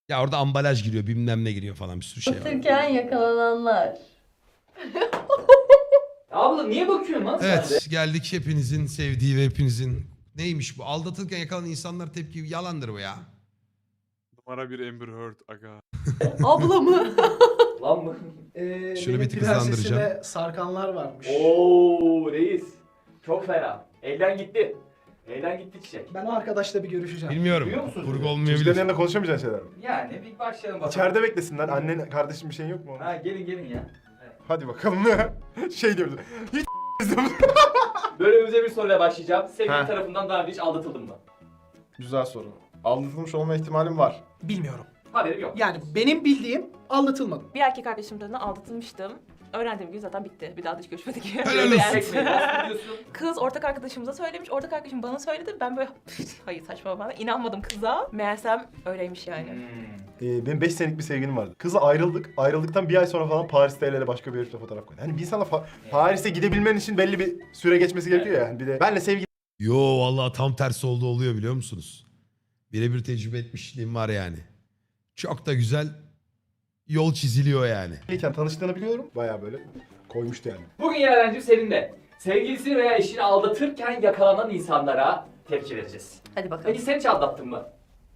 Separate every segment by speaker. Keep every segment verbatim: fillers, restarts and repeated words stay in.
Speaker 1: Ya orada ambalaj giriyor, bilmem ne giriyor falan, bir sürü şey var.
Speaker 2: Aldatırken yakalananlar.
Speaker 3: Abla niye bakıyorsun lan sen de?
Speaker 1: Evet, geldik hepinizin sevdiği ve hepinizin... Neymiş bu? Aldatırken yakalanan insanlar tepki yalandır bu ya.
Speaker 4: Numara bir Amber Heard aga.
Speaker 2: Abla mı?
Speaker 3: Lan mı?
Speaker 5: Ee,
Speaker 1: Şunu
Speaker 5: benim
Speaker 1: bir tık hızlandıracağım.
Speaker 5: prensesime sarkanlar varmış.
Speaker 3: Oo reis. Çok fena. Elden gitti. Elden gitti çiçek.
Speaker 5: Ben o arkadaşla bir görüşeceğim.
Speaker 1: Bilmiyorum.
Speaker 3: Duyuyor musun?
Speaker 1: Kurgu
Speaker 6: Çocukların
Speaker 1: olmayabilir.
Speaker 6: yanında konuşamayacağın şeyler mi?
Speaker 3: Yani bir başlayalım bakalım.
Speaker 6: İçeride beklesinler. Annen, kardeşin bir şeyin yok mu?
Speaker 3: Ha gelin gelin ya.
Speaker 6: Hadi bakalım. Şey diyoruz. Hiç
Speaker 3: Bölümümüze bir soruyla başlayacağım. Sevgili
Speaker 6: Ha.
Speaker 3: tarafından daha önce hiç aldatıldın mı?
Speaker 6: Güzel soru. Aldatılmış olma ihtimalim var.
Speaker 5: Bilmiyorum.
Speaker 3: Haberim yok.
Speaker 5: Yani benim bildiğim aldatılmadım.
Speaker 7: Bir erkek arkadaşım tarafından aldatılmıştım. Öğrendiğim gün zaten bitti. Bir daha da hiç görüşmedik.
Speaker 1: Helal olsun.
Speaker 7: Yani
Speaker 3: Çekmeyi nasıl biliyorsun?
Speaker 7: kız ortak arkadaşımıza söylemiş. Ortak arkadaşım bana söyledi. Ben böyle hayır saçma falan. İnanmadım kıza. Meğersem öyleymiş yani.
Speaker 3: Hmm.
Speaker 6: Ee, benim beş senelik bir sevgilim vardı. Kızla ayrıldık. Ayrıldıktan bir ay sonra falan Paris'te el ele başka bir herifle fotoğraf koydu. Hani bir insanla fa- Paris'e gidebilmen için belli bir süre geçmesi gerekiyor ya. Yani bir de benle sevgili
Speaker 1: Yo vallahi tam tersi oldu oluyor biliyor musunuz? Birebir tecrübe etmişliğim var yani. Çok da güzel yol çiziliyor yani.
Speaker 6: iken tanıştığını biliyorum. Bayağı böyle koymuştu yani.
Speaker 3: Bugün Yaren'cim senin de sevgilisini veya eşini aldatırken yakalanan insanlara tepki vereceğiz.
Speaker 7: Hadi bakalım.
Speaker 3: Peki sen hiç aldattın mı?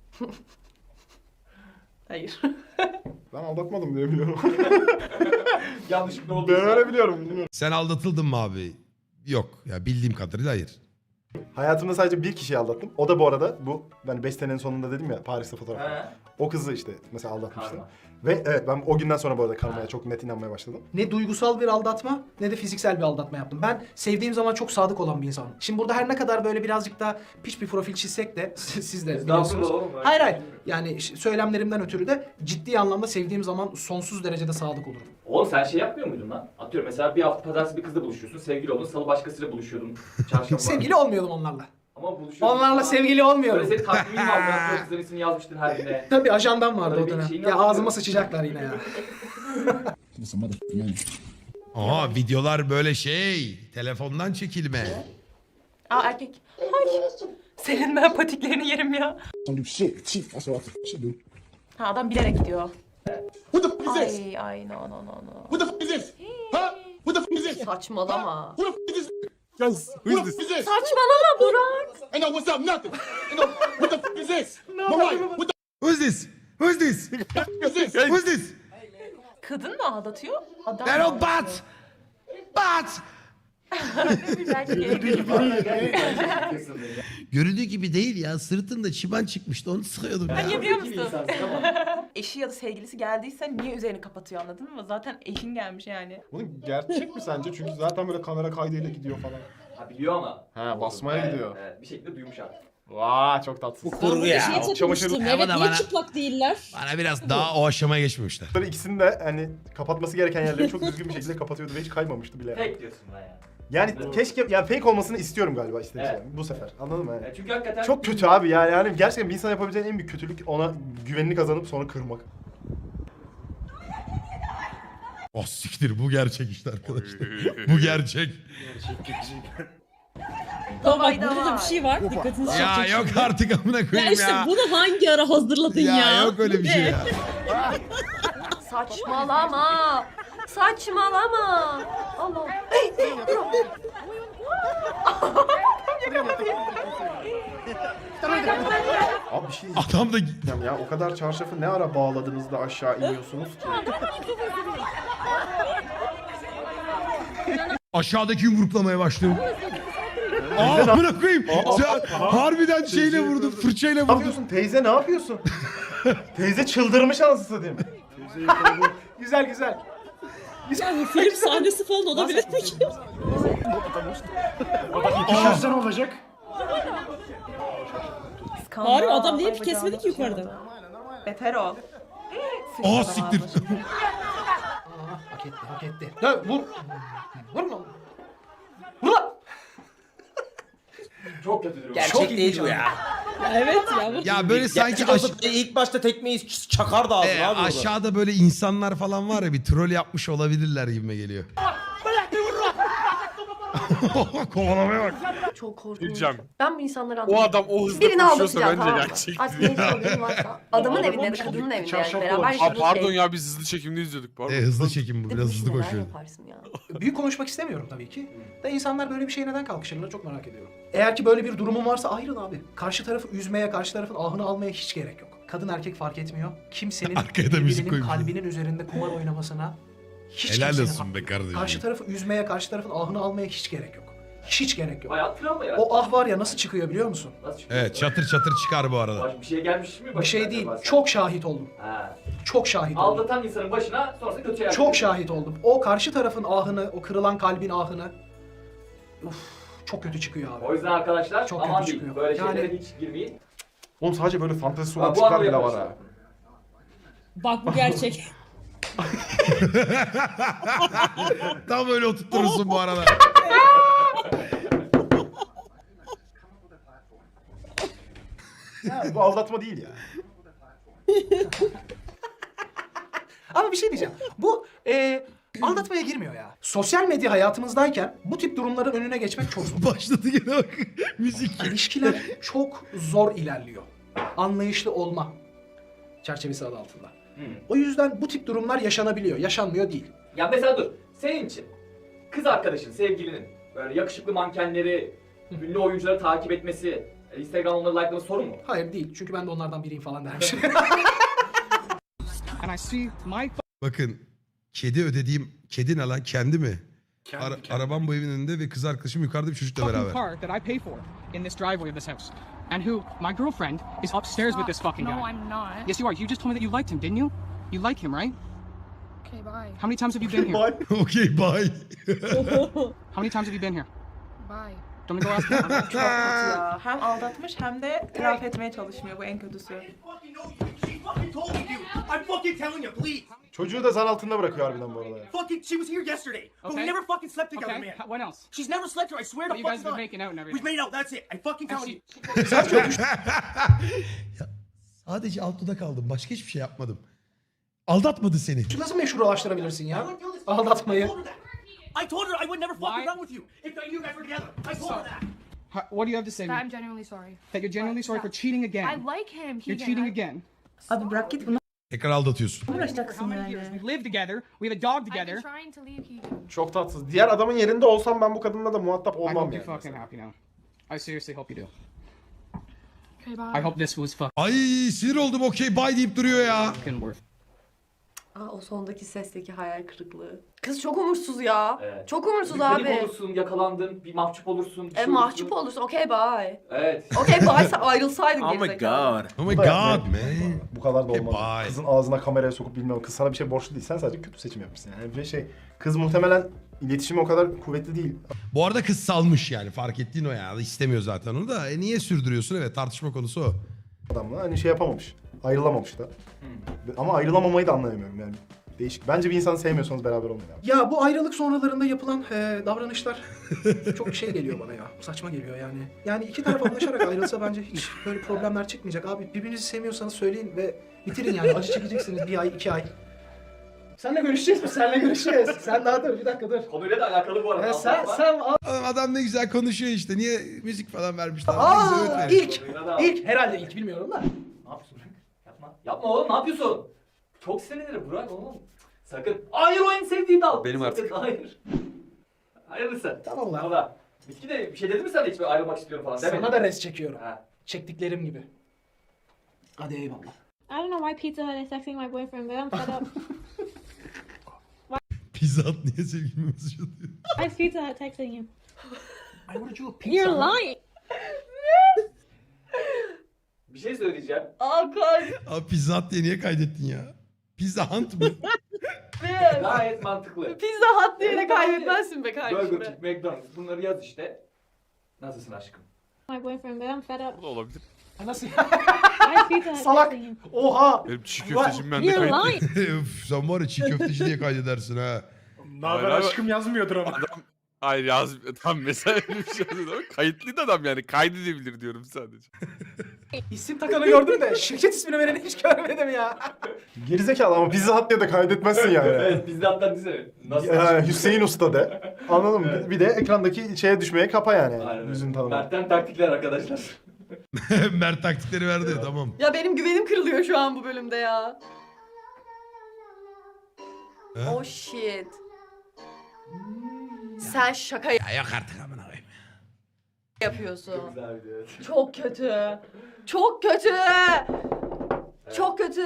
Speaker 7: Hayır.
Speaker 6: Ben aldatmadım diye biliyorum.
Speaker 3: Yanlışlıkla oldu.
Speaker 6: Ben öyle biliyorum. Bilmiyorum.
Speaker 1: Sen aldatıldın mı abi? Yok ya, bildiğim kadarıyla hayır.
Speaker 6: Hayatımda sadece bir kişiyi aldattım. O da bu arada bu ben beş senenin sonunda dedim ya Paris'te fotoğraf.
Speaker 3: Ha.
Speaker 6: O kızı işte mesela aldatmıştım.
Speaker 3: Karma.
Speaker 6: Ve evet ben o günden sonra bu arada karmaya çok net inanmaya başladım.
Speaker 5: Ne duygusal bir aldatma ne de fiziksel bir aldatma yaptım. Ben sevdiğim zaman çok sadık olan bir insanım. Şimdi burada her ne kadar böyle birazcık da piç bir profil çizsek de siz de biliyorsunuz.
Speaker 3: Estağfurullah oğlum.
Speaker 5: Hayır hayır. Yani ş- söylemlerimden ötürü de ciddi anlamda sevdiğim zaman sonsuz derecede sadık olurum.
Speaker 3: Oğlum sen şey yapmıyor muydun lan? Atıyorum mesela bir hafta pazartesi bir kızla buluşuyorsun, sevgili oldun, salı başkasıyla buluşuyordun. Çarşamba.
Speaker 5: Sevgili olmuyordum onlarla.
Speaker 3: Ama buluşuyordun.
Speaker 5: Onlarla sevgili olmuyorum.
Speaker 3: Böyle senin takvimin vardı, aslında kızların ismini yazmıştın her güne.
Speaker 5: Tabii ajandam vardı
Speaker 3: Öyle
Speaker 5: o
Speaker 3: bir
Speaker 5: dönem.
Speaker 3: şeyin
Speaker 5: Ya
Speaker 3: yok.
Speaker 5: ağzıma sıçacaklar yine ya.
Speaker 1: Aha videolar böyle şey, telefondan çekilme.
Speaker 7: Aa erkek. Ay. Senin ben patiklerini yerim ya.
Speaker 8: Don't do shit. Chief, that's what I should do.
Speaker 7: Ha adam bilerek gidiyor.
Speaker 8: What the fuck is this?
Speaker 7: Ay ay no no no no.
Speaker 8: What the fuck is this? Huh? What the fuck is this?
Speaker 2: Saçmalama.
Speaker 8: Who the fuck is this? Guys, who is this?
Speaker 2: Saçmalama Burak.
Speaker 8: Ain't no what's up, nothing. Ain't no, what the fuck is this? My wife, what the
Speaker 1: Who's this? Who's this?
Speaker 8: fuck is this?
Speaker 1: Who's this?
Speaker 7: Kadın mı aldatıyor? Adam
Speaker 1: They're
Speaker 7: mı
Speaker 1: all
Speaker 7: aldatıyor?
Speaker 1: bad. Bad.
Speaker 7: Belki gelebilir.
Speaker 1: Görüldüğü gibi değil ya. Sırtında çiban çıkmıştı, onu sıkıyordum ya.
Speaker 7: Niye biliyor
Speaker 3: Zeki bir
Speaker 7: musun?
Speaker 3: insansın ama.
Speaker 7: Eşi ya da sevgilisi geldiyse niye üzerini kapatıyor anladın mı? Zaten eşin gelmiş yani.
Speaker 6: Bunun gerçek mi sence? Çünkü zaten böyle kamera kaydıyla gidiyor falan.
Speaker 3: Ha biliyor ama.
Speaker 6: Ha, basmaya
Speaker 3: Evet,
Speaker 6: gidiyor.
Speaker 3: Evet, bir şekilde duymuş artık.
Speaker 6: Vaa çok tatsız.
Speaker 9: Kurgu ya. Şeye takılmıştım.
Speaker 1: Ama
Speaker 9: Evet
Speaker 1: da
Speaker 9: niye
Speaker 1: bana-
Speaker 9: çıplak değiller?
Speaker 1: Bana biraz daha o aşamaya geçmemişler.
Speaker 6: Bunları ikisini de hani kapatması gereken yerleri çok düzgün bir şekilde kapatıyordu ve hiç kaymamıştı bile.
Speaker 3: Fake diyorsun buna yani.
Speaker 6: Yani
Speaker 3: Evet.
Speaker 6: keşke yani fake olmasını istiyorum galiba işte
Speaker 3: Evet.
Speaker 6: yani bu sefer. Anladın mı? Yani?
Speaker 3: Ya çünkü hakikaten...
Speaker 6: Çok kötü abi yani, yani gerçekten bir insan yapabileceğin en büyük kötülük ona güvenini kazanıp sonra kırmak.
Speaker 1: Oh siktir, bu gerçek işte arkadaşlar. Bu gerçek.
Speaker 9: Tamam bak
Speaker 7: Hayda
Speaker 9: burada da
Speaker 7: var.
Speaker 9: bir şey var. Dikkatinizi çekecek.
Speaker 1: Ya yok
Speaker 9: şimdi.
Speaker 1: artık amına
Speaker 9: Ya
Speaker 1: koyayım
Speaker 9: işte
Speaker 1: ya.
Speaker 9: bunu hangi ara hazırladın ya?
Speaker 1: Ya yok öyle bir şey
Speaker 9: Ne?
Speaker 1: ya.
Speaker 2: Saçmalama. Saçmalama. Allah.
Speaker 6: Abi bir şey
Speaker 1: Adam da
Speaker 6: diyeceğim ya, o kadar çarşafı ne ara bağladınız da aşağı iniyorsunuz ki?
Speaker 1: aşağıdaki yumruklamaya başladı. Aa amına koyayım. Sen harbiden şeyle vurdu, fırçayla
Speaker 6: Ne
Speaker 1: vurdu.
Speaker 6: yapıyorsun teyze, ne yapıyorsun? Teyze çıldırmış anasını satayım.
Speaker 5: Güzel güzel.
Speaker 9: Ya bu film sahnesi falan olabilir mi ki?
Speaker 5: Düşersen olacak.
Speaker 7: Skandal.
Speaker 9: Harbi adam niye
Speaker 7: Ay,
Speaker 9: bir kesmedi ki
Speaker 7: bacağını
Speaker 9: yukarıda?
Speaker 7: açıyordu. Beter ol.
Speaker 1: Aa siktir.
Speaker 5: Hak etti hak etti. Ya vur. Vurma. Vur lan.
Speaker 3: Çok kötü durum.
Speaker 10: Gerçek
Speaker 5: Çok iyi
Speaker 10: değil
Speaker 5: bir
Speaker 10: bu
Speaker 5: can.
Speaker 10: ya.
Speaker 9: Evet ya. Bu...
Speaker 1: Ya böyle sanki
Speaker 10: Gerçek
Speaker 1: aş-
Speaker 10: olsa ilk başta tekmeyi çakardı ağzına
Speaker 1: e,
Speaker 10: abi orada.
Speaker 1: aşağıda böyle insanlar falan var ya, bir troll yapmış olabilirler gibime geliyor. Kovalamaya bak.
Speaker 2: Çok korkunç.
Speaker 4: Diyeceğim.
Speaker 2: Ben bu insanları
Speaker 4: O
Speaker 2: anlamıyorum.
Speaker 4: adam o hızla
Speaker 2: Birini
Speaker 4: koşuyorsa
Speaker 2: aldatacağım
Speaker 4: bence
Speaker 2: tamam mı?
Speaker 4: gerçek.
Speaker 2: Artık ne sorunun varsa. Adamın evinde mi kadının evinde yani
Speaker 6: Çarşaflı
Speaker 2: beraber
Speaker 6: olmuş.
Speaker 4: Aa,
Speaker 2: yaşadığı
Speaker 4: pardon
Speaker 2: şey.
Speaker 4: ya biz hızlı çekimde izliyorduk pardon.
Speaker 1: E, hızlı çekim bu.
Speaker 2: Bir de
Speaker 1: Biraz
Speaker 2: bu işi
Speaker 1: hızlı
Speaker 2: neler
Speaker 1: koşuyor.
Speaker 2: yaparsın ya?
Speaker 5: Büyük konuşmak istemiyorum tabii ki. Da insanlar böyle bir şeye neden kalkışırlar çok merak ediyorum. Eğer ki böyle bir durumun varsa ayrıl abi. Karşı tarafı üzmeye, karşı tarafın ahını almaya hiç gerek yok. Kadın erkek fark etmiyor. Kimsenin
Speaker 1: Arkaya da müzik
Speaker 5: birbirinin
Speaker 1: koymuş.
Speaker 5: kalbinin üzerinde kumar oynamasına hiç
Speaker 1: Helal
Speaker 5: kimsenin
Speaker 1: olsun
Speaker 5: hakkı
Speaker 1: be
Speaker 5: yok.
Speaker 1: kardeşim.
Speaker 5: Karşı tarafı üzmeye, karşı tarafın ahını almaya hiç gerek yok. Hiç gerek yok.
Speaker 3: Bayağı travma ya.
Speaker 5: O ah var ya nasıl çıkıyor biliyor musun?
Speaker 3: Nasıl çıkıyor?
Speaker 1: Evet çatır çatır çıkar bu arada.
Speaker 3: Baş- Bir şey gelmiş mi?
Speaker 5: Bir
Speaker 3: başına
Speaker 5: şey değil.
Speaker 3: acaba sen?
Speaker 5: Çok şahit oldum.
Speaker 3: Ha.
Speaker 5: Çok şahit oldum.
Speaker 3: Aldatan insanın başına sonrasında kötü yer.
Speaker 5: Çok şahit oldum. O karşı tarafın ahını, o kırılan kalbin ahını uf, çok kötü çıkıyor abi.
Speaker 3: O yüzden arkadaşlar
Speaker 5: Çok
Speaker 3: aman
Speaker 5: kötü
Speaker 3: diyeyim.
Speaker 5: çıkıyor.
Speaker 3: Böyle
Speaker 5: Yani-
Speaker 3: şeylere hiç girmeyin.
Speaker 6: Oğlum sadece böyle fantezisi
Speaker 3: Ha,
Speaker 6: olan
Speaker 3: bu
Speaker 6: tipler
Speaker 3: anlamda
Speaker 6: bile var
Speaker 3: yapmışlar.
Speaker 6: ha.
Speaker 9: Bak bu gerçek.
Speaker 1: Tam öyle oturturursun bu arada.
Speaker 6: Ya, bu aldatma değil ya.
Speaker 5: Ama bir şey diyeceğim. Bu e, aldatmaya girmiyor ya. Sosyal medya hayatımızdayken bu tip durumların önüne geçmek çok zor.
Speaker 1: Başladı gene bak. Müzik.
Speaker 5: İlişkiler çok zor ilerliyor. Anlayışlı olma çerçevesi adı altında.
Speaker 3: Hmm.
Speaker 5: O yüzden bu tip durumlar yaşanabiliyor. Yaşanmıyor değil.
Speaker 3: Ya mesela dur. Senin için kız arkadaşın, sevgilinin böyle yakışıklı mankenleri, ünlü oyuncuları takip etmesi, Instagram onları likelaması sorun mu?
Speaker 5: Hayır değil. Çünkü ben de onlardan biriyim falan dermiş.
Speaker 1: Bakın kedi ödediğim kedi ne lan kendi mi? Ara- arabam bu evin önünde ve kız arkadaşım yukarıda bir çocukla beraber.
Speaker 11: car that I pay for in this driveway of this house. And who, my girlfriend, is upstairs with this fucking guy.
Speaker 7: No, I'm not.
Speaker 11: Yes, you are. You just told me that you liked him, didn't you? You like him, right?
Speaker 7: Okay, bye.
Speaker 11: How many times have you been here?
Speaker 1: Okey bye.
Speaker 11: How many times have you been here?
Speaker 7: Bye.
Speaker 11: Don't we go ask him?
Speaker 7: Çok kötü ya. Hem aldatmış hem de telafi etmeye çalışmıyor. Bu en kötüsü.
Speaker 8: I'm fucking telling you, please.
Speaker 6: Çocuğu da zan altında bırakıyor harbiden bu arada. ya.
Speaker 8: Fucking, she was here yesterday. But we
Speaker 11: Okay.
Speaker 8: never fucking slept together,
Speaker 11: Okay,
Speaker 8: man.
Speaker 11: h- what else?
Speaker 8: She's never slept here. I swear to
Speaker 11: But you guys
Speaker 8: fucking
Speaker 11: have been
Speaker 8: God.
Speaker 11: making out and
Speaker 8: We've
Speaker 11: everything.
Speaker 8: made out. That's it. I fucking
Speaker 11: And
Speaker 8: telling
Speaker 11: she-
Speaker 8: you.
Speaker 1: Ya, sadece alt dudak aldım. Başka hiçbir şey yapmadım. Aldatmadı seni.
Speaker 5: Nasıl meşrulaştırabilirsin
Speaker 8: I
Speaker 5: ya?
Speaker 8: wouldn't do this.
Speaker 5: Aldatmayı.
Speaker 8: I told her that. I told her I would never fucking
Speaker 11: Why?
Speaker 8: run with you if you guys were together. I told her that.
Speaker 11: H- What do you have to say? to me?
Speaker 7: I'm genuinely sorry.
Speaker 11: That you're genuinely sorry for cheating again.
Speaker 7: I like him.
Speaker 11: You're cheating again.
Speaker 7: Abi bırak git bunu
Speaker 1: Tekrar aldatıyorsun.
Speaker 7: uğraşacaksın
Speaker 11: How many years? We live together. We have a dog together.
Speaker 7: trying to leave Keegan.
Speaker 6: Çok tatsız. Diğer adamın yerinde olsam ben bu kadınla da muhatap
Speaker 11: I
Speaker 6: olmam
Speaker 11: hope
Speaker 6: yani.
Speaker 11: you're fucking happy now. I seriously hope you do.
Speaker 7: Okay, bye.
Speaker 11: I hope this was
Speaker 1: Ay sinir oldum okey bye deyip duruyor ya.
Speaker 11: fucking worth.
Speaker 2: Aa, o sondaki sesteki hayal kırıklığı. Kız çok umursuz ya.
Speaker 3: Evet.
Speaker 2: Çok umursuz
Speaker 3: Bir panik
Speaker 2: abi.
Speaker 3: olursun, yakalandın, bir mahcup olursun. bir
Speaker 2: E
Speaker 3: şey
Speaker 2: mahcup
Speaker 3: olursun.
Speaker 2: olursun. Okey bye.
Speaker 3: Evet.
Speaker 2: Okey bye sen ayrılsaydın
Speaker 10: Oh my
Speaker 2: gerizekalı.
Speaker 10: god.
Speaker 1: Oh my
Speaker 6: Bu da yapmayın.
Speaker 1: god man.
Speaker 6: Bu kadar da
Speaker 1: E,
Speaker 6: olmaz.
Speaker 1: bye.
Speaker 6: Kızın ağzına kameraya sokup bilmem kız sana bir şey borçlu değil. Sen sadece kötü seçim yapmışsın yani. Bir şey kız muhtemelen iletişimi o kadar kuvvetli değil.
Speaker 1: Bu arada kız salmış yani fark ettiğin o ya. İstemiyor zaten onu da. E niye sürdürüyorsun? Evet tartışma konusu o.
Speaker 6: Adamla hani şey yapamamış. Ayrılamamış da. Ama ayrılamamayı da anlayamıyorum yani. Değişik. Bence bir insanı sevmiyorsanız beraber olmayın abi.
Speaker 5: Ya bu ayrılık sonralarında yapılan e, davranışlar çok şey geliyor bana ya. Saçma geliyor yani. Yani iki taraf anlaşarak ayrılsa bence hiç böyle problemler çıkmayacak. Abi birbirinizi sevmiyorsanız söyleyin ve bitirin yani. Acı çekeceksiniz bir ay, iki ay. Senle görüşeceğiz mi? Senle görüşeceğiz. Sen daha dur, bir dakika dur.
Speaker 3: Konuyla da alakalı bu arada.
Speaker 5: E, sen,
Speaker 3: Aldatma.
Speaker 5: sen...
Speaker 1: Adam, adam ne güzel konuşuyor işte. Niye müzik falan vermişler? Ne güzel öğüt
Speaker 5: Aa,
Speaker 1: veriyor.
Speaker 5: ilk,
Speaker 3: Konuyla da-
Speaker 5: ilk, herhalde ilk bilmiyorum da.
Speaker 3: Ne yapıyorsun Burak? Yapma. Yapma oğlum ne yapıyorsun? Çok sinirlenir Burak oğlum. Sakın. Hayır o en sevdiğim dal.
Speaker 10: Benim
Speaker 3: Sakın,
Speaker 10: artık.
Speaker 3: Hayır. Hayırlısı.
Speaker 5: Tamam lan.
Speaker 3: Valla. Bitki de bir şey dedi mi sana hiç böyle ayrılmak istiyorum falan demedi.
Speaker 5: Sana da res çekiyorum.
Speaker 3: Ha.
Speaker 5: Çektiklerim gibi. Hadi eyvallah.
Speaker 9: I don't know why Pizza Hut is texting my boyfriend, but I'm fed up.
Speaker 1: Pizza Hut niye sevgilime mesaj atıyor?
Speaker 9: Why is Pizza Hut texting you?
Speaker 5: I ordered you a pizza.
Speaker 9: You're lying.
Speaker 3: Bir şey söyleyeceğim.
Speaker 2: Aa kay.
Speaker 1: Abi Pizza Hut diye niye kaydettin ya? Pizza Hunt mı?
Speaker 3: Gayet mantıklı.
Speaker 2: Pizza Hut diye de kaybetmezsin be kardeşim.
Speaker 3: Burger King, McDonald's bunları yaz işte. Nasılsın aşkım?
Speaker 9: My boyfriend, but I'm fed up.
Speaker 4: Bu da olabilir.
Speaker 5: Ha, nasıl ya?
Speaker 9: Why is Pizza Hut
Speaker 5: Salak.
Speaker 9: texting you?
Speaker 5: Oha!
Speaker 4: Benim çiğ köftecim bende
Speaker 9: You're
Speaker 4: kayıtlı.
Speaker 9: lying.
Speaker 1: Üf, sen var ya çiğ köfteci diye kaydedersin ha.
Speaker 6: Naber
Speaker 4: Hayır abi.
Speaker 6: aşkım yazmıyordur ama.
Speaker 4: Adam hayır yaz tam mesela öyle bir şey yazıyor ama kayıtlıydı adam yani kaydedebilir diyorum sadece.
Speaker 5: İsim takanı gördüm de şirket ismini vereni hiç görmedim ya.
Speaker 6: Gerizekalı ama Pizza Hut diye de kaydetmezsin yani.
Speaker 3: Evet biz de hatta dizene. Nasıl
Speaker 6: Ya,
Speaker 3: aşkım?
Speaker 6: Hüseyin Usta de. Anladın mı?
Speaker 3: Evet.
Speaker 6: Bir de ekrandaki şeye düşmeye kapa yani.
Speaker 3: Aynen öyle.
Speaker 6: Yüzünü tanımak.
Speaker 3: Mert'ten taktikler arkadaşlar.
Speaker 1: Mert taktikleri verdi tamam.
Speaker 2: Ya benim güvenim kırılıyor şu an bu bölümde ya.
Speaker 1: He?
Speaker 2: Oh shit. Sen şaka
Speaker 1: Ya yok artık amına koyayım.
Speaker 2: yapıyorsun.
Speaker 3: Güzel video. Evet.
Speaker 2: Çok kötü. Çok kötü. Çok kötü.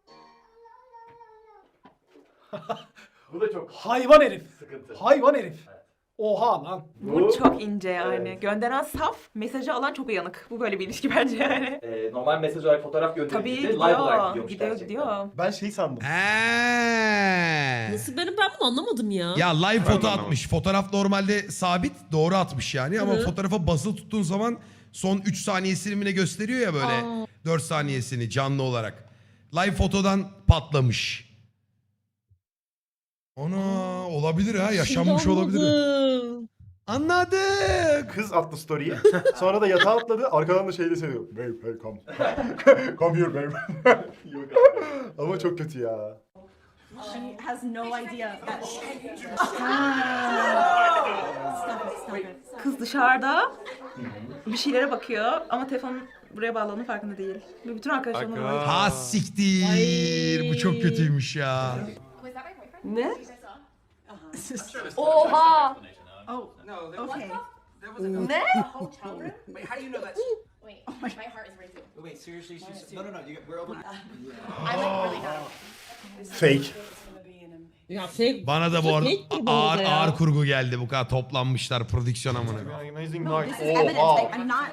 Speaker 3: Bu da çok
Speaker 5: Hayvan herif.
Speaker 3: sıkıntı.
Speaker 5: Hayvan herif. Oha lan.
Speaker 7: Bu çok ince yani.
Speaker 3: Evet.
Speaker 7: Gönderen saf, mesajı alan çok uyanık. Bu böyle bir ilişki bence yani.
Speaker 3: Ee, normal mesaj olarak fotoğraf
Speaker 7: Tabii
Speaker 3: gönderildiğinde live olarak
Speaker 7: gidiyor.
Speaker 3: gidiyormuş
Speaker 7: Gidiyor
Speaker 3: gerçekten.
Speaker 7: gidiyor.
Speaker 6: Ben şey sandım.
Speaker 1: Eee.
Speaker 9: Nasıl benim ben bunu anlamadım ya.
Speaker 1: Ya live
Speaker 4: Ben de
Speaker 1: foto
Speaker 4: anlamadım.
Speaker 1: atmış. Fotoğraf normalde sabit doğru atmış yani ama
Speaker 9: Hı.
Speaker 1: fotoğrafa basılı tuttuğun zaman son üç saniyesini mi ne gösteriyor ya böyle
Speaker 9: Aa.
Speaker 1: dört saniyesini canlı olarak. Live fotodan patlamış. Ana olabilir ha yaşanmış
Speaker 9: Şimdi
Speaker 1: olabilir.
Speaker 9: anladım.
Speaker 1: Anladık.
Speaker 6: Kız attı story'yi. Sonra da yatağa atladı. Arkadan da şey de seviyor. Babe, hey come. Come here babe.
Speaker 3: Yok abi.
Speaker 6: Ama çok kötü ya.
Speaker 9: She has no idea that
Speaker 7: Kız dışarıda bir şeylere bakıyor ama telefonun buraya bağlandığının farkında değil. Ve bütün arkadaşlarına
Speaker 4: Aga.
Speaker 7: var.
Speaker 1: Ha siktir. Bu çok kötüymüş ya.
Speaker 2: Ne? Oha.
Speaker 11: Oh, no, there was,
Speaker 9: Okay.
Speaker 11: there was a
Speaker 2: Ne?
Speaker 11: hotel room? Wait, how do you know that?
Speaker 12: Wait, my heart is racing.
Speaker 11: Wait, seriously? She's, no, no, no, you, we're open.
Speaker 12: I like really have.
Speaker 6: Fake.
Speaker 9: Ya fake.
Speaker 1: Bana da bu arada
Speaker 9: Fake gibi
Speaker 1: ağır
Speaker 9: oldu ya.
Speaker 1: ağır kurgu geldi. Bu kadar toplanmışlar prodüksiyon amına.
Speaker 6: Amazing
Speaker 12: No,
Speaker 6: night.
Speaker 12: this is evidence.
Speaker 6: Oha.
Speaker 12: Like, I'm not.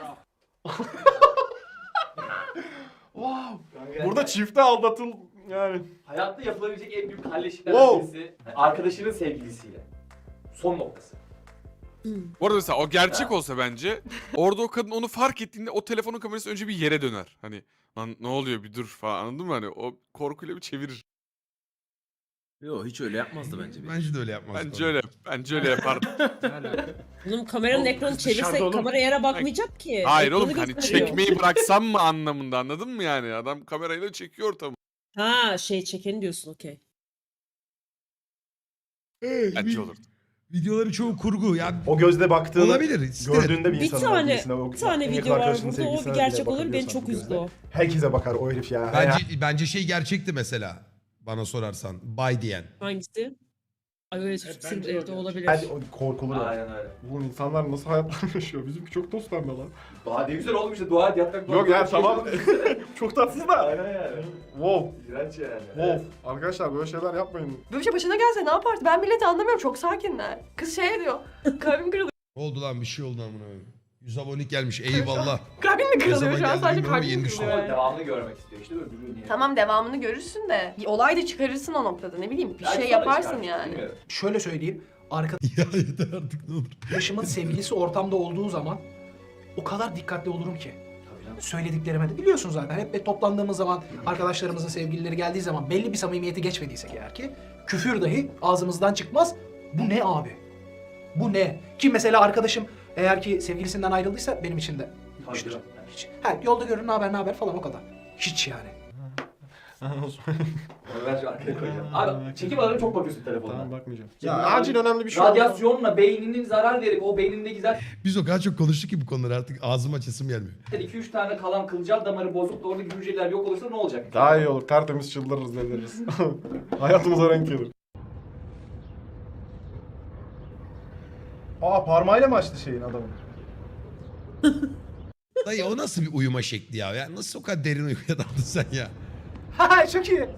Speaker 6: Wow. Burada çifte aldatıl yani.
Speaker 3: Hayatta yapılabilecek en büyük halleşiklerden
Speaker 6: Wow.
Speaker 3: birisi arkadaşının sevgilisiyle. Son noktası.
Speaker 4: Bu arada mesela o gerçek olsa bence orada o kadın onu fark ettiğinde o telefonun kamerası önce bir yere döner. Hani lan ne oluyor bir dur falan anladın mı? Hani o korkuyla bir çevirir.
Speaker 10: Yok hiç öyle yapmazdı bence.
Speaker 1: Bence de öyle yapmaz.
Speaker 4: Bence öyle bence öyle yapardı.
Speaker 9: Oğlum kameranın
Speaker 6: Oğlum,
Speaker 9: ekranı
Speaker 6: kız dışarıda
Speaker 9: çevirse
Speaker 6: oğlum.
Speaker 9: kamera yere bakmayacak ki.
Speaker 4: Hayır
Speaker 9: Ekranı
Speaker 4: oğlum hani
Speaker 9: gösteriyor.
Speaker 4: çekmeyi bıraksam mı anlamında anladın mı yani? Adam kamerayla çekiyor ortamı.
Speaker 9: Ha şey çekeni diyorsun okey.
Speaker 4: Bence olurdu.
Speaker 1: Videoları çoğu kurgu. Ya
Speaker 6: O gözle baktığını
Speaker 1: olabilir. siktir et.
Speaker 6: gördüğünde bir
Speaker 9: Bir
Speaker 6: insanın
Speaker 9: tane
Speaker 6: sevgilisine, o
Speaker 9: bir tane
Speaker 6: en yakın
Speaker 9: video var
Speaker 6: arkadaşının
Speaker 9: burada o bir
Speaker 6: sevgilisine bile
Speaker 9: gerçek olur beni
Speaker 6: bakabiliyorsan
Speaker 9: çok
Speaker 6: bu
Speaker 9: üzdü
Speaker 6: gözle.
Speaker 9: o.
Speaker 6: Herkese bakar o herif ya.
Speaker 1: Bence bence şey gerçekti mesela. Bana sorarsan. Bay diyen.
Speaker 9: Hangisi? Ay öyle sil evde olabilir.
Speaker 6: Bence o korkulur. ya.
Speaker 3: Aynen öyle.
Speaker 6: Oğlum insanlar nasıl hayatlar yaşıyor? Bizimki çok dostlarla lan.
Speaker 3: Daha ne güzel olmuş işte dua et yatmak.
Speaker 6: Yok ya tamam. Çok tatsız da.
Speaker 3: Aynen yani.
Speaker 6: Wow.
Speaker 3: İğrenç yani.
Speaker 6: Wow. Arkadaşlar böyle şeyler yapmayın.
Speaker 2: Böyle bir şey başına gelse ne yapardı? Ben milleti anlamıyorum. Çok sakinler. Kız şey diyor. Kalbim kırılıyor.
Speaker 1: Ne oldu lan bir şey oldu amına koyayım. yüz abonelik gelmiş eyvallah.
Speaker 2: Kalbim mi kırılıyor
Speaker 1: zaman
Speaker 2: şu an?
Speaker 1: geldi
Speaker 2: Sadece
Speaker 1: bilmiyorum ama
Speaker 2: kalbim
Speaker 1: yeni
Speaker 2: kırılıyor.
Speaker 3: Ama
Speaker 2: yani.
Speaker 3: devamını görmek istiyor işte öbürü niye?
Speaker 2: Tamam devamını görürsün de. Bir olay da çıkarırsın o noktada ne bileyim. Bir
Speaker 3: Belki
Speaker 2: şey
Speaker 3: sonra
Speaker 2: yaparsın
Speaker 3: çıkar,
Speaker 2: yani.
Speaker 3: bilmiyorum.
Speaker 5: Şöyle söyleyeyim.
Speaker 1: ya yeter artık ne olur.
Speaker 5: Arkadaşımın sevgilisi ortamda olduğu zaman o kadar dikkatli olurum ki. Söylediklerime de biliyorsun zaten hep toplandığımız zaman arkadaşlarımızın sevgilileri geldiği zaman belli bir samimiyeti geçmediysek eğer ki küfür dahi ağzımızdan çıkmaz. Bu ne abi? Bu ne? Ki mesela arkadaşım eğer ki sevgilisinden ayrıldıysa benim için de
Speaker 3: Tabii
Speaker 5: hiçtir.
Speaker 3: canım.
Speaker 5: Hiç. Ha, yolda görün ne haber ne haber falan o kadar. Hiç yani.
Speaker 3: Onu ben şu arkaya koyacağım. Abi çekim alanına çok bakıyorsun telefonuna.
Speaker 6: bakmayacağım.
Speaker 3: Ya,
Speaker 6: Ya acil önemli bir şey oldu.
Speaker 3: Radyasyonla beyninin zarar verip o beynindeki zaten
Speaker 1: Biz o kadar çok konuştuk ki bu konuları artık ağzım açasım gelmiyor.
Speaker 3: iki üç tane kalan kılcal damarı bozup da oradaki hücreler yok olursa ne olacak?
Speaker 6: Daha iyi olur. Tertemiz çıldırırız deliririz. Hayatımıza renk gelir. Aa parmağıyla mı açtı şeyin adamın?
Speaker 1: Dayı o nasıl bir uyuma şekli ya? ya nasıl o kadar derin uykuya daldın sen ya?
Speaker 5: Ha çok iyi.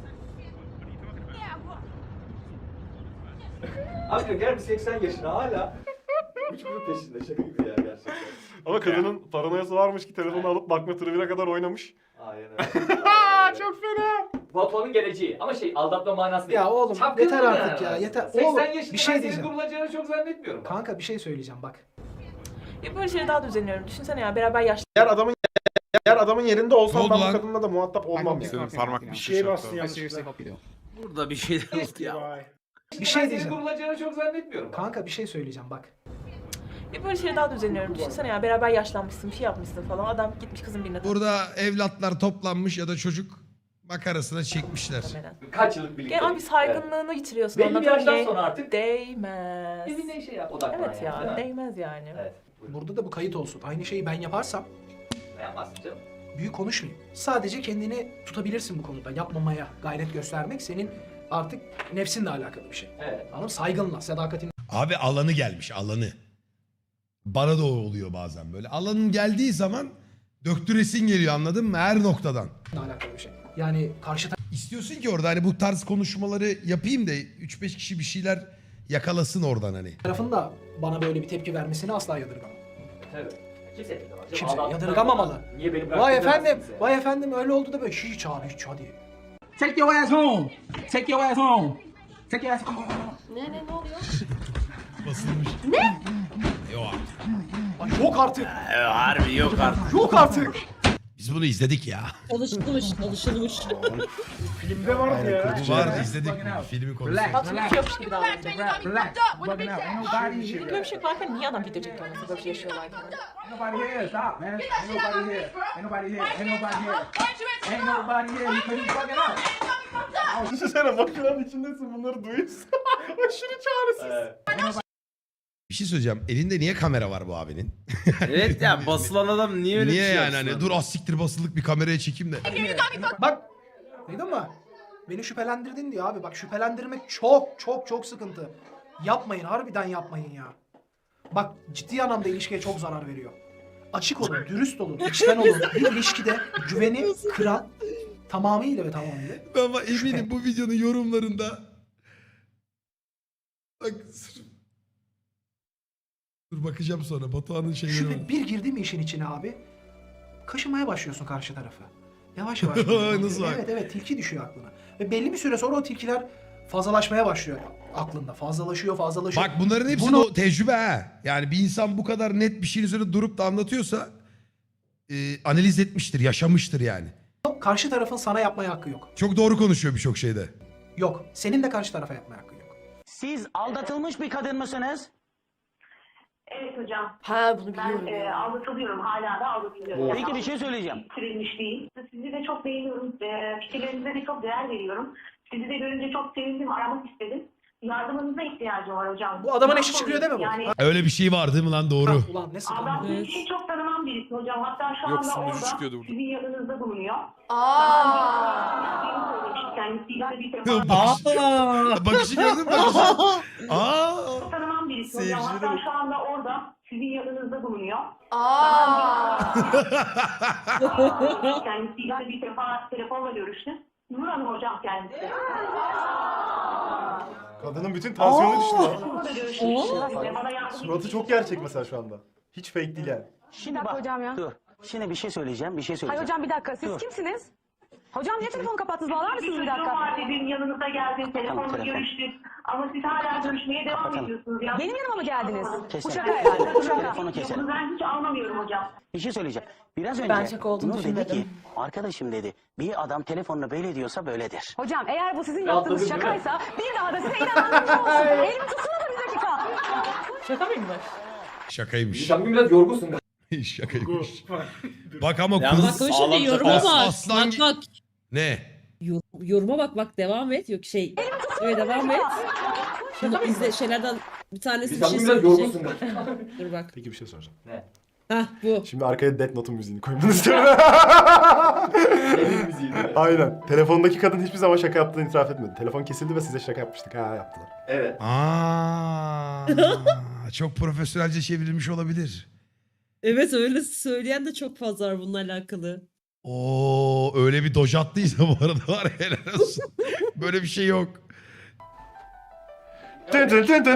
Speaker 3: Abi gel bir seksen yaşına hala. Üç bunun peşinde şaka gibi ya gerçekten.
Speaker 6: Ama kadının paranoyası varmış ki telefonu alıp bakma tribüne kadar oynamış.
Speaker 3: Aynen öyle.
Speaker 6: Çok fena.
Speaker 3: Batuhan'ın geleceği ama şey aldatma manası değil.
Speaker 5: Ya oğlum
Speaker 3: Çapkınlık
Speaker 5: yeter
Speaker 3: yani
Speaker 5: artık ya
Speaker 3: aslında.
Speaker 5: yeter.
Speaker 3: seksen
Speaker 5: Oğlum
Speaker 3: yaşında
Speaker 5: bir şey
Speaker 3: ben senin
Speaker 5: diyeceğim.
Speaker 3: kurulacağını çok zannetmiyorum.
Speaker 5: Kanka bir şey söyleyeceğim bak.
Speaker 7: Ya böyle şeylere daha da üzülüyorum. Düşünsene ya beraber yaşlı.
Speaker 6: Eğer adamın eğer adamın yerinde
Speaker 1: Ne
Speaker 6: olsam
Speaker 1: oldu
Speaker 6: ben
Speaker 1: lan?
Speaker 6: bu kadınla da muhatap olmam ya.
Speaker 4: Senin parmak bir
Speaker 6: Bir
Speaker 4: şey
Speaker 6: şeye
Speaker 4: yaptı.
Speaker 6: bastın yanlışlıkla.
Speaker 10: Burada bir şeyler oldu ya.
Speaker 5: Bir şey
Speaker 3: ben senin
Speaker 5: diyeceğim.
Speaker 3: kurulacağını çok zannetmiyorum.
Speaker 5: Kanka bir şey söyleyeceğim bak.
Speaker 7: Ya böyle şeylere daha da üzülüyorum. Düşünsene ya beraber yaşlanmışsın, bir şey yapmışsın falan. Adam gitmiş kızın birine.
Speaker 1: Burada evlatlar toplanmış ya da çocuk Makarasına çekmişler.
Speaker 3: Kaç yıllık birlikte.
Speaker 7: Gel abi saygınlığını yitiriyorsun.
Speaker 3: Belli bir
Speaker 7: anladın mı?
Speaker 3: yaştan
Speaker 7: Şey,
Speaker 3: sonra artık
Speaker 7: Değmez.
Speaker 3: birbirine şey yap. Odaklan
Speaker 7: Evet ya,
Speaker 3: yani. değil mi?
Speaker 7: değmez yani.
Speaker 3: Evet.
Speaker 5: Burada da bu kayıt olsun. Aynı şeyi ben yaparsam
Speaker 3: Ne yapmazsın canım?
Speaker 5: büyük konuşmayayım. Sadece kendini tutabilirsin bu konuda. Yapmamaya gayret göstermek senin artık nefsinle alakalı bir şey.
Speaker 3: Evet.
Speaker 5: Anladın mı? Saygınla, sadakatinle
Speaker 1: Abi alanı gelmiş alanı. Bana da o oluyor bazen böyle. Alanın geldiği zaman döktüresin geliyor anladın mı? Her noktadan.
Speaker 5: alakalı bir şey. Yani karşı
Speaker 1: İstiyorsun ki orada hani bu tarz konuşmaları yapayım da üç beş kişi bir şeyler yakalasın oradan hani.
Speaker 5: tarafın da bana böyle bir tepki vermesini asla yadırgamam.
Speaker 3: Tabii. Kimse yadırgamaz.
Speaker 5: Kimse
Speaker 3: Allah'tan
Speaker 5: yadırgamamalı.
Speaker 3: Niye beni bıraktın
Speaker 5: Vay
Speaker 3: demez
Speaker 5: efendim,
Speaker 3: kimse.
Speaker 5: vay efendim öyle oldu da böyle hiç abi hiç hadi.
Speaker 11: Take your ass home. Take your ass home. Take your ass home.
Speaker 2: Ne ne ne oluyor?
Speaker 1: Basılmış. Ne? Yok artık.
Speaker 5: Ay yok artık.
Speaker 10: Harbi yok artık.
Speaker 5: Yok artık.
Speaker 1: Biz bunu izledik ya.
Speaker 9: Çalışılmış, çalışılmış.
Speaker 6: Filmde vardı ya.
Speaker 1: Bu vardı izledik bunu. Filmi konuştuk.
Speaker 7: Bak şimdi yapmış gibi davranacak.
Speaker 11: Relax, bugging out. Ain't nobody here.
Speaker 7: Böyle bir şey varken niye adam video çekiyor mesela böyle bir şey yaşıyorlarken?
Speaker 11: Ain't nobody here. Stop, man. Ain't nobody here. Ain't nobody here. Ain't nobody here. Ain't nobody here. You couldn't bugging out.
Speaker 6: Düşünsene makinenin içindesin bunları duyuyorsun. Aşırı çaresiz.
Speaker 3: Evet.
Speaker 1: Bir şey söyleyeceğim. Elinde niye kamera var bu abinin?
Speaker 10: Evet ya basılan adam niye öyle
Speaker 1: niye
Speaker 10: bir şey
Speaker 1: yani
Speaker 10: yapsın
Speaker 1: hani
Speaker 10: abi?
Speaker 1: dur az siktir basılık bir kameraya çekeyim de.
Speaker 5: Bak duydun mu? Beni şüphelendirdin diyor abi. Bak şüphelendirmek çok çok çok sıkıntı. Yapmayın harbiden yapmayın ya. Bak ciddi anlamda ilişkiye çok zarar veriyor. Açık olun, dürüst olun, içten olun. Bir ilişkide güveni kıran tamamıyla ve tamamıyla.
Speaker 1: Ama eminim bu videonun yorumlarında bak sırf- dur bakacağım sonra Batuhan'ın şeyleri var.
Speaker 5: Şüphe bir girdi mi işin içine abi? Kaşımaya başlıyorsun karşı tarafı. Yavaş yavaş.
Speaker 1: Nasıl bak?
Speaker 5: Evet evet tilki düşüyor aklına. Ve belli bir süre sonra o tilkiler fazlalaşmaya başlıyor aklında. Fazlalaşıyor fazlalaşıyor.
Speaker 1: Bak bunların hepsi
Speaker 5: Bunu-
Speaker 1: o tecrübe ha. Yani bir insan bu kadar net bir şeyin üzerine durup da anlatıyorsa e, analiz etmiştir, yaşamıştır yani.
Speaker 5: Karşı tarafın sana yapmaya hakkı yok.
Speaker 1: Çok doğru konuşuyor birçok şeyde.
Speaker 5: Yok. Senin de karşı tarafa yapmaya hakkın yok.
Speaker 11: Siz aldatılmış bir kadın mısınız?
Speaker 12: Evet hocam.
Speaker 2: Ha bunu
Speaker 12: Ben
Speaker 2: biliyorum
Speaker 12: e,
Speaker 2: ya.
Speaker 12: aldatılıyorum. Hala da aldatılıyorum.
Speaker 11: Peki bir şey söyleyeceğim.
Speaker 12: Bitirilmiş değil. Sizi de çok beğeniyorum. E, fikirlerinize de çok değer veriyorum. Sizi de görünce çok sevindim. Aramak istedim. Yardımınıza ihtiyacım var hocam.
Speaker 5: Bu adamın
Speaker 12: Ne
Speaker 5: eşi çıkıyor değil mi bu?
Speaker 12: Yani
Speaker 1: Öyle bir şey var değil mi lan doğru.
Speaker 5: Ha, ulan ne sıkıntı.
Speaker 12: aldattığım
Speaker 9: Evet.
Speaker 12: kişi çok tanımam birisi hocam. Hatta şu
Speaker 4: Yok,
Speaker 12: anda
Speaker 4: sunucu
Speaker 12: orada
Speaker 4: çıkıyordu burada.
Speaker 12: sizin yanınızda bulunuyor.
Speaker 2: Aa.
Speaker 12: Kendisiyle de bir defa
Speaker 1: Bakışı, bakışı gördün mü? Bakışı. Aa.
Speaker 12: tanımam birisi hocam. Hatta şu anda orada sizin yanınızda bulunuyor.
Speaker 2: Aa.
Speaker 12: Kendisiyle de bir defa telefonla görüştüm. Nur Hanım hocam kendisi.
Speaker 6: Kadının bütün tansiyonu düştü lan.
Speaker 12: Telefonla da görüşmüştüm. Ve bana yardım
Speaker 6: Suratı çok gerçek mesela şu anda. Hiç fake değil yani.
Speaker 11: Şimdi bak.
Speaker 13: hocam ya.
Speaker 11: Dur. Şimdi bir şey söyleyeceğim. Bir şey söyleyeceğim.
Speaker 13: Hayır hocam bir dakika. Siz
Speaker 11: Dur.
Speaker 13: kimsiniz? Hocam niye telefonu kapattınız? Bağlar mısınız bir
Speaker 12: çocuğum
Speaker 13: dakika?
Speaker 12: var dedim, yanınıza geldim, telefonla
Speaker 11: telefon.
Speaker 12: görüştük. Ama siz hala görüşmeye devam
Speaker 11: Kapatalım.
Speaker 12: ediyorsunuz. Ya.
Speaker 13: Benim yanıma mı geldiniz?
Speaker 11: Kesin.
Speaker 13: Bu şaka herhalde. Bu şaka.
Speaker 11: Telefonu keselim.
Speaker 12: Bunu ben hiç anlamıyorum hocam.
Speaker 11: Bir şey söyleyeceğim. Biraz önce
Speaker 7: Ben şaka olduğunu
Speaker 11: Nur dedi
Speaker 7: düşünmedim.
Speaker 11: ki arkadaşım dedi bir adam telefonla böyle diyorsa böyledir.
Speaker 13: Hocam eğer bu sizin
Speaker 3: Rahatladın
Speaker 13: yaptığınız
Speaker 3: değil mi?
Speaker 13: şakaysa bir daha da size inanmam olsun. Elimi tutsana da bir dakika.
Speaker 7: Şaka mıymış?
Speaker 1: Şakaymış.
Speaker 3: Sen bugün biraz yorgunsun galiba.
Speaker 1: Şakaymış. Bak ama
Speaker 10: Yalnız
Speaker 1: kız...
Speaker 9: Bak o
Speaker 10: Sağlam
Speaker 9: şimdi yoruma
Speaker 1: as-
Speaker 9: bak.
Speaker 1: aslan-
Speaker 9: Bak bak.
Speaker 1: Ne?
Speaker 9: Yor- yoruma bak bak devam et. Yok şey. Evet devam et. Şunu izle şeylerden bir tanesi bir
Speaker 3: Sen
Speaker 9: şey
Speaker 3: bugün biraz
Speaker 9: söyleyecek.
Speaker 3: yorgunsun galiba.
Speaker 9: Dur bak.
Speaker 6: Peki bir şey soracağım.
Speaker 9: Hah bu.
Speaker 6: Şimdi arkaya Death Note'un müziğini koymanı istiyorum.
Speaker 3: Senin müziğin değil mi?
Speaker 6: Aynen. Telefondaki kadın hiçbir zaman şaka yaptığını itiraf etmedi. Telefon kesildi ve size şaka yapmıştık. Ha yaptılar.
Speaker 3: Evet.
Speaker 1: Aa, çok profesyonelce çevrilmiş olabilir.
Speaker 9: Evet öyle söyleyen de çok fazla var bununla alakalı.
Speaker 1: Oo öyle bir doj attıysa bu arada var ya, helal olsun. Böyle bir şey yok.
Speaker 3: Şimdi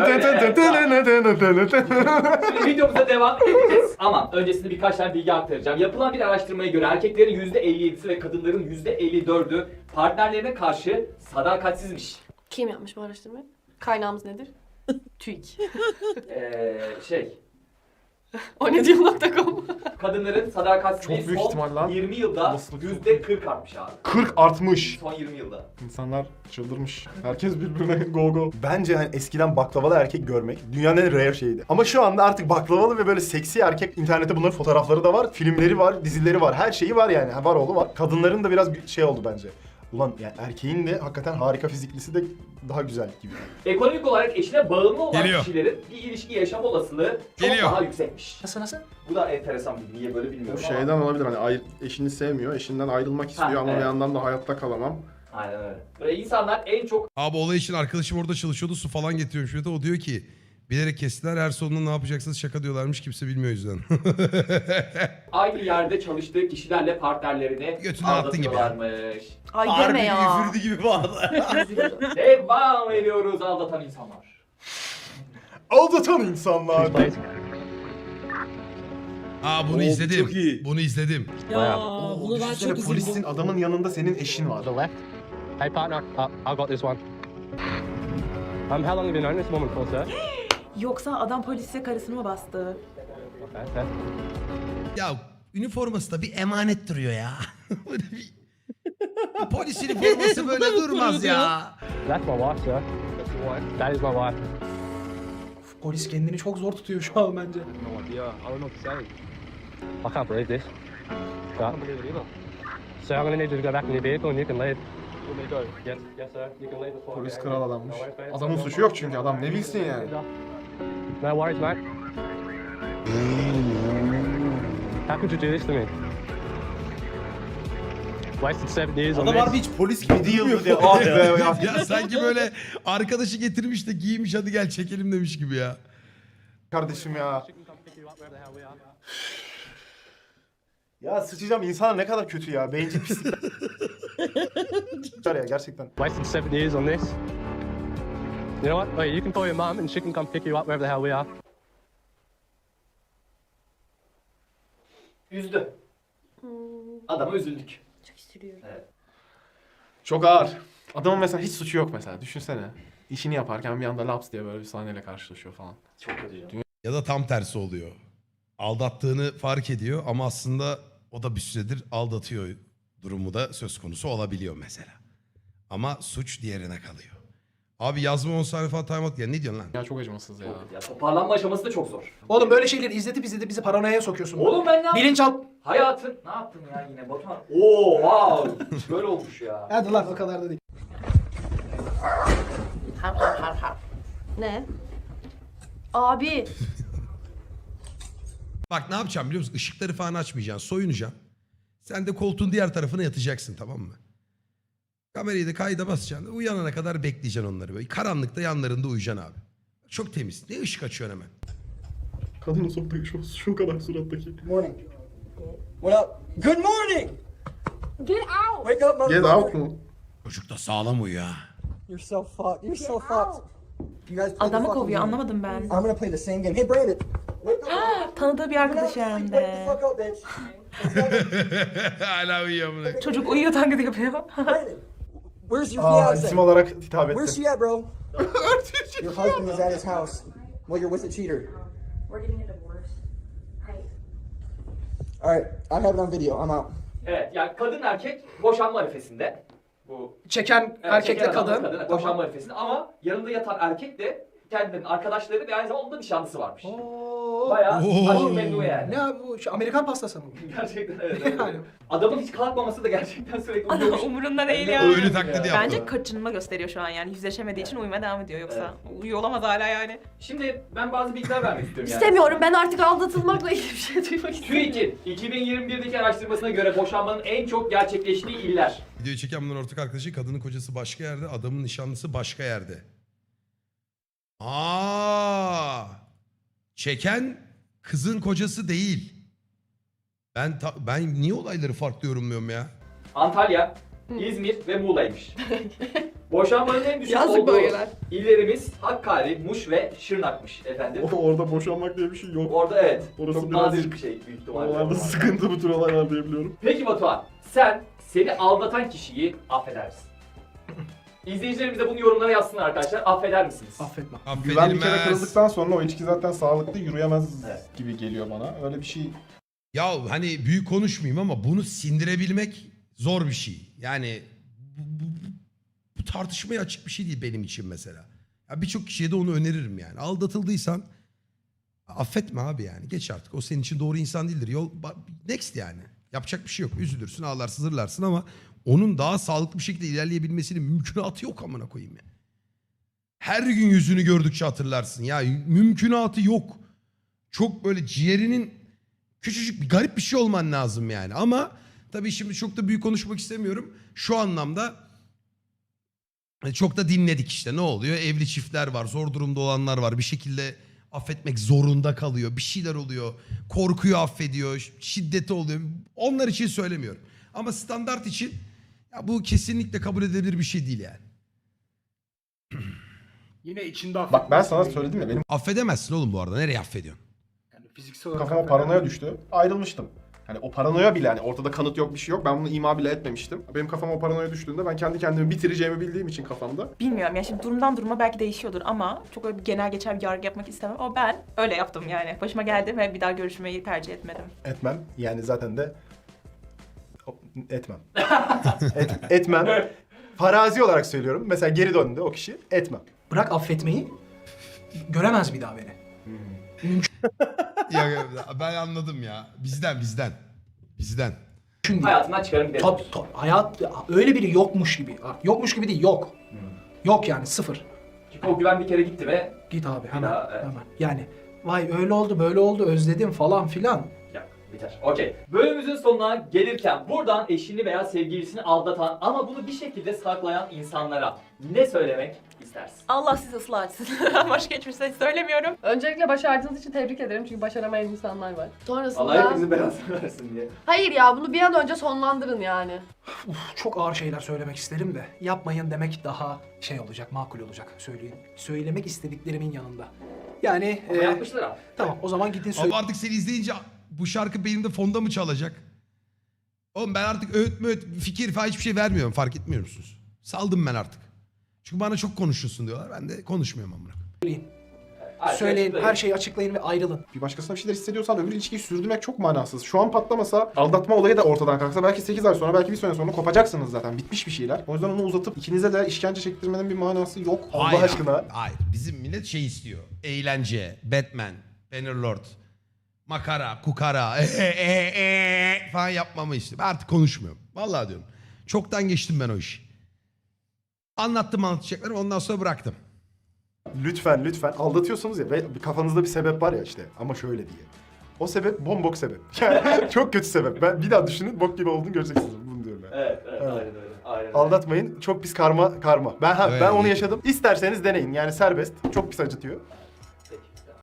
Speaker 3: videomuza devam edeceğiz. Ama öncesinde birkaç tane bilgi aktaracağım. Yapılan bir araştırmaya göre erkeklerin yüzde elli yedisi ve kadınların yüzde elli dördü partnerlerine karşı sadakatsizmiş.
Speaker 2: Kim yapmış bu araştırmayı? Kaynağımız nedir? TÜİK.
Speaker 3: Ee, şey,
Speaker 2: O ne diyor nokta com.
Speaker 3: kadınların sadakatsizliği
Speaker 6: Çok büyük
Speaker 3: son
Speaker 6: ihtimal lan.
Speaker 3: yirmi yılda
Speaker 6: Olasılık
Speaker 3: yüzde kırk artmış abi.
Speaker 6: kırk artmış.
Speaker 3: Son yirmi yılda.
Speaker 6: İnsanlar çıldırmış. Herkes birbirine go go. Bence hani eskiden baklavalı erkek görmek dünyanın en rare şeyiydi. Ama şu anda artık baklavalı ve böyle seksi erkek, internette bunların fotoğrafları da var, filmleri var, dizileri var, her şeyi var yani. Ha, var oğlu var. Kadınların da biraz şey oldu bence. Ulan ya erkeğin de hakikaten harika fiziklisi de daha güzel gibi.
Speaker 3: Ekonomik olarak eşine bağımlı olan
Speaker 1: Geliyor.
Speaker 3: kişilerin bir ilişki yaşam olasılığı çok
Speaker 1: Geliyor.
Speaker 3: daha yüksekmiş.
Speaker 5: Nasıl nasıl?
Speaker 3: Bu da enteresan bir niye böyle bilmiyorum ama.
Speaker 6: Şeyden olabilir hani ayr- eşini sevmiyor, eşinden ayrılmak istiyor
Speaker 3: Ha,
Speaker 6: ama
Speaker 3: evet.
Speaker 6: bir yandan da hayatta kalamam.
Speaker 3: Aynen öyle. Böyle insanlar en çok
Speaker 1: Abi olay için arkadaşım orada çalışıyordu, su falan getiriyormuş. Ve de o diyor ki bilerek kestiler, her sonunda ne yapacaksınız şaka diyorlarmış, kimse bilmiyor o yüzden.
Speaker 3: aynı yerde çalıştığı kişilerle partnerlerini
Speaker 1: Götünden attın gibi ya.
Speaker 3: aldatıyorlarmış.
Speaker 2: Ay
Speaker 10: Harbi
Speaker 2: deme ya.
Speaker 10: üfürdü gibi bu arada.
Speaker 3: Devam ediyoruz aldatan insanlar.
Speaker 6: Aldatan insanlar.
Speaker 1: Aa bunu
Speaker 10: Oo,
Speaker 1: izledim.
Speaker 10: çok iyi.
Speaker 1: Bunu izledim.
Speaker 9: Ya
Speaker 6: Oo,
Speaker 9: bunu ben
Speaker 6: düşünsene
Speaker 9: çok
Speaker 6: polisin
Speaker 9: üzüldüm.
Speaker 6: adamın yanında senin eşin var.
Speaker 11: Hey partner, uh, I got this one. Um, how long have you known this woman for, sir?
Speaker 7: Yoksa adam polise karısını mı bastı?
Speaker 11: Okay, okay.
Speaker 1: Ya üniforması da bir emanet duruyor ya. Böyle bir... bir polis üniforması böyle durmaz ya.
Speaker 11: That's my wife, sir. That's your wife? That is my wife.
Speaker 5: Polis kendini çok zor tutuyor şu an bence.
Speaker 11: No idea. I don't know what to say. I can't believe this. I can't believe it either. So I'm gonna need you to go back in your vehicle and you can leave. Let me go. Yes, yes sir. You can leave before.
Speaker 6: Polis kral adammış. Adamın suçu yok çünkü adam ne bilsin yani.
Speaker 11: No worries, mate. How could you do this to me? Wasted seven years on
Speaker 10: Adam
Speaker 11: this.
Speaker 10: harbi hiç polis gibi
Speaker 6: Bir yıldır
Speaker 10: durmuyor.
Speaker 6: ya. Ah be ya.
Speaker 1: Ya sanki böyle arkadaşı getirmiş de giymiş, hadi gel çekelim demiş gibi ya.
Speaker 6: Kardeşim ya. Ya sıçacağım, insanlar ne kadar kötü ya. Bencil pislik. ya gerçekten.
Speaker 11: Wasted seven years on this. You know what? Wait, you can call your mum and she can come pick you up wherever the hell we are.
Speaker 3: Üzdü. Adama üzüldük.
Speaker 2: Çok sürüyor.
Speaker 3: Evet.
Speaker 6: Çok ağır. Adamın mesela hiç suçu yok mesela. Düşünsene. İşini yaparken bir anda laps diye böyle bir sahneyle karşılaşıyor falan.
Speaker 3: Çok kötü ya.
Speaker 1: Ya da tam tersi oluyor. Aldattığını fark ediyor ama aslında o da bir süredir aldatıyor durumu da söz konusu olabiliyor mesela. Ama suç diğerine kalıyor. Abi yazma on saniye falan time out. Ya ne diyorsun lan?
Speaker 6: Ya çok acımasız ya.
Speaker 3: Çok kötü ya. Toparlanma aşaması da çok zor.
Speaker 5: Oğlum böyle şeyleri izletip izletip bizi paranoyaya sokuyorsun.
Speaker 3: Oğlum ben ne yaptım?
Speaker 5: Bilinç al.
Speaker 3: Hayatın ne yaptın ya yine Batuhan? Oo wow. Böyle olmuş ya.
Speaker 5: Hadi lan o kadar da değil.
Speaker 2: Ne? Abi.
Speaker 1: Bak ne yapacağım biliyor musun? Işıkları falan açmayacaksın. Soyunacaksın. Sen de koltuğun diğer tarafına yatacaksın, tamam mı? Kamerayı da kayda basacaksın. Uyanana kadar bekleyeceksin onları böyle. Karanlıkta yanlarında uyuyacaksın abi. Çok temiz. Ne ışık açıyorsun hemen.
Speaker 6: Kadının soktaki şu, şu kadar surattaki.
Speaker 8: Morning. What up? Good morning!
Speaker 2: Get out.
Speaker 8: Wake up,
Speaker 6: Get
Speaker 8: motherfucker.
Speaker 6: out mu?
Speaker 1: Çocuk da sağlam uyuyor ha.
Speaker 8: You're so fucked. You're so fucked. You guys play the
Speaker 7: Adamı
Speaker 8: fucking
Speaker 7: kovuyor
Speaker 8: game.
Speaker 7: anlamadım ben.
Speaker 8: I'm gonna play the same game. Hey, Brandon. Wake up.
Speaker 7: Tanıdığı bir arkadaş hem
Speaker 8: Wake the
Speaker 7: de.
Speaker 8: fuck up, bitch.
Speaker 1: Hala uyuyor amına.
Speaker 7: Çocuk uyuyor taklidi yapıyor.
Speaker 8: Brandon. Where's your
Speaker 6: Aa,
Speaker 8: fiance?
Speaker 6: isim olarak hitap
Speaker 8: Where's
Speaker 6: etti.
Speaker 8: she at, bro? Your husband is at his house while you're with a cheater.
Speaker 2: We're getting a divorce. Right.
Speaker 8: All right, I have it on video. I'm out.
Speaker 3: Evet yani kadın erkek boşanma arifesinde. Bu
Speaker 5: Çeken
Speaker 3: evet,
Speaker 5: erkekle
Speaker 3: çeken adamla
Speaker 5: kadın.
Speaker 3: kadın boşanma arifesinde ama yanında yatan erkek de kendilerinin arkadaşları ve aynı zamanda onun da nişanlısı varmış.
Speaker 5: Oo.
Speaker 3: Bayağı
Speaker 1: Oo.
Speaker 3: aşk memnu yani.
Speaker 5: Ne abi bu? Şu Amerikan pastası mı?
Speaker 3: Gerçekten evet. evet.
Speaker 5: Yani.
Speaker 3: Adamın hiç kalkmaması da gerçekten sürekli
Speaker 7: Adam
Speaker 3: uyuyormuş.
Speaker 7: umurunda değil
Speaker 3: Ne
Speaker 7: ya.
Speaker 3: uyuyor
Speaker 1: Ölü taklidi
Speaker 3: ya.
Speaker 1: yaptı.
Speaker 7: Bence kaçınma gösteriyor şu an yani. Yüzleşemediği için uyumaya devam ediyor yoksa. Uyuyor olamaz hala yani.
Speaker 3: Şimdi ben bazı bilgiler vermek istiyorum yani.
Speaker 2: İstemiyorum. Ben artık aldatılmakla ilgili bir şey duymak istemiyorum.
Speaker 3: TÜİK'in iki bin yirmi birdeki araştırmasına göre boşanmanın en çok gerçekleştiği iller.
Speaker 1: Videoyu çeken bunların ortak arkadaşı, kadının kocası başka yerde, adamın nişanlısı başka yerde. Aa! Çeken kızın kocası değil. Ben ta- ben niye olayları farklı yorumluyorum ya?
Speaker 3: Antalya, İzmir ve Muğla'ymış. Boşanmanın en düşük
Speaker 2: Yazık
Speaker 3: olduğu
Speaker 2: bölgeler.
Speaker 3: illerimiz Hakkari, Muş ve Şırnak'mış efendim.
Speaker 6: Orada boşanmak diye bir şey yok.
Speaker 3: Orada evet.
Speaker 6: Orası
Speaker 3: çok
Speaker 6: biraz-
Speaker 3: nadir bir şey büyük ihtimalle.
Speaker 6: Oralarda sıkıntı bu tür olaylar diyebiliyorum.
Speaker 3: Peki Batuhan, sen seni aldatan kişiyi affeder misin? İzleyicilerimiz de bunu yorumlara yazsınlar arkadaşlar. Affeder misiniz?
Speaker 5: Affetmem.
Speaker 6: Güven bir kere
Speaker 1: Affedilmez.
Speaker 6: kırıldıktan sonra o ilişki zaten sağlıklı yürüyemez
Speaker 3: Evet.
Speaker 6: gibi geliyor bana. Öyle bir şey.
Speaker 1: Ya hani büyük konuşmayayım ama bunu sindirebilmek zor bir şey. Yani bu, bu- bu tartışmaya açık bir şey değil benim için mesela. Ya birçok kişiye de onu öneririm yani. Aldatıldıysan affetme abi yani. Geç artık. O senin için doğru insan değildir. Yol ba- next yani. Yapacak bir şey yok. Üzülürsün, ağlarsın, zırlarsın ama onun daha sağlıklı bir şekilde ilerleyebilmesinin mümkünatı yok amına koyayım ya. Her gün yüzünü gördükçe hatırlarsın. Ya mümkünatı yok. Çok böyle ciğerinin küçücük bir garip bir şey olman lazım yani. Ama tabii şimdi çok da büyük konuşmak istemiyorum. Şu anlamda çok da dinledik işte. Ne oluyor? Evli çiftler var, zor durumda olanlar var. Bir şekilde affetmek zorunda kalıyor. Bir şeyler oluyor. Korkuyu affediyor. Şiddeti oluyor. Onlar için söylemiyorum. Ama standart için ya bu kesinlikle kabul edilebilir bir şey değil yani.
Speaker 5: Yine içinde
Speaker 6: Bak ben sana söyledim ya benim
Speaker 1: Affedemezsin oğlum bu arada. Nereye affediyorsun?
Speaker 5: Yani fiziksel olarak
Speaker 6: kafama paranoya düştü. Ayrılmıştım. Hani o paranoya bile hani ortada kanıt yok bir şey yok. Ben bunu ima bile etmemiştim. Benim kafama o paranoya düştüğünde ben kendi kendimi bitireceğimi bildiğim için kafamda.
Speaker 7: Bilmiyorum ya şimdi durumdan duruma belki değişiyordur ama çok öyle bir genel geçer bir yargı yapmak istemem. Ama ben öyle yaptım yani. Başıma geldi ve bir daha görüşmeyi tercih etmedim.
Speaker 6: Etmem. Yani zaten de etmem. Et, etmem. Farazi olarak söylüyorum. Mesela geri döndü o kişi. Etmem.
Speaker 5: Bırak affetmeyi, göremez bir daha beni.
Speaker 1: ya, ya, ben anladım ya. Bizden bizden. Bizden.
Speaker 5: Çünkü
Speaker 3: Hayatından çıkarım gidelim.
Speaker 5: Tabii tabii. Hayat öyle biri yokmuş gibi. Yokmuş gibi değil, yok. Yok yani sıfır.
Speaker 3: Çünkü o güven bir kere gitti ve
Speaker 5: Git abi hemen.
Speaker 3: daha, evet.
Speaker 5: Hemen. Yani vay öyle oldu böyle oldu özledim falan filan.
Speaker 3: ya biter. Okey. Bölümümüzün sonuna gelirken buradan eşini veya sevgilisini aldatan ama bunu bir şekilde saklayan insanlara ne söylemek istersin?
Speaker 7: Allah sizi ıslah etsin. Başka hiçbir şey söylemiyorum.
Speaker 2: Öncelikle başardığınız için tebrik ederim çünkü başaramayan insanlar var. Sonrasında...
Speaker 3: Allah hepinizin belasını versin diye.
Speaker 2: Hayır ya bunu bir an önce sonlandırın yani.
Speaker 5: Uf, çok ağır şeyler söylemek isterim de yapmayın demek daha şey olacak, makul olacak söyleyin. Söylemek istediklerimin yanında. Yani
Speaker 3: Ama
Speaker 5: e,
Speaker 3: yapmışlar abi.
Speaker 5: tamam o zaman gidin söyleyin.
Speaker 1: Ama artık seni izleyince bu şarkı benim de fonda mı çalacak? Oğlum ben artık öğüt möğüt fikir falan hiçbir şey vermiyorum. Fark etmiyor musunuz? Saldım ben artık. Çünkü bana çok konuşuyorsun diyorlar. Ben de konuşmuyorum amına.
Speaker 5: Söyleyin, her şeyi açıklayın ve ayrılın.
Speaker 6: Bir başkasına bir şeyler hissediyorsan öbür ilişkiyi sürdürmek çok manasız. Şu an patlamasa, aldatma olayı da ortadan kalksa belki sekiz ay sonra, belki bir sene sonra kopacaksınız zaten. Bitmiş bir şeyler. O yüzden onu uzatıp ikinize de işkence çektirmenin bir manası yok. Allah
Speaker 1: Hayır,
Speaker 6: aşkına.
Speaker 1: Hayır. Bizim millet şey istiyor. Eğlence, Batman, Bannerlord, makara, kukara, e, e, e, falan yapmamı istiyor. Ben artık konuşmuyorum. Vallahi diyorum. Çoktan geçtim ben o işi. Anlattım anlatacaklarımı ondan sonra bıraktım.
Speaker 6: Lütfen lütfen aldatıyorsunuz ya ve kafanızda bir sebep var ya işte ama şöyle diye. O sebep bombok sebep. Yani çok kötü sebep. Ben bir daha düşünün bok gibi olduğunu göreceksiniz. Bunu diyorum ben.
Speaker 3: Evet, evet,
Speaker 6: Evet.
Speaker 3: aynen öyle. Aynen öyle.
Speaker 6: Aldatmayın. Çok pis karma karma. Ben ha,
Speaker 1: Evet.
Speaker 6: ben onu yaşadım. İsterseniz deneyin. Yani serbest. Çok pis acıtıyor.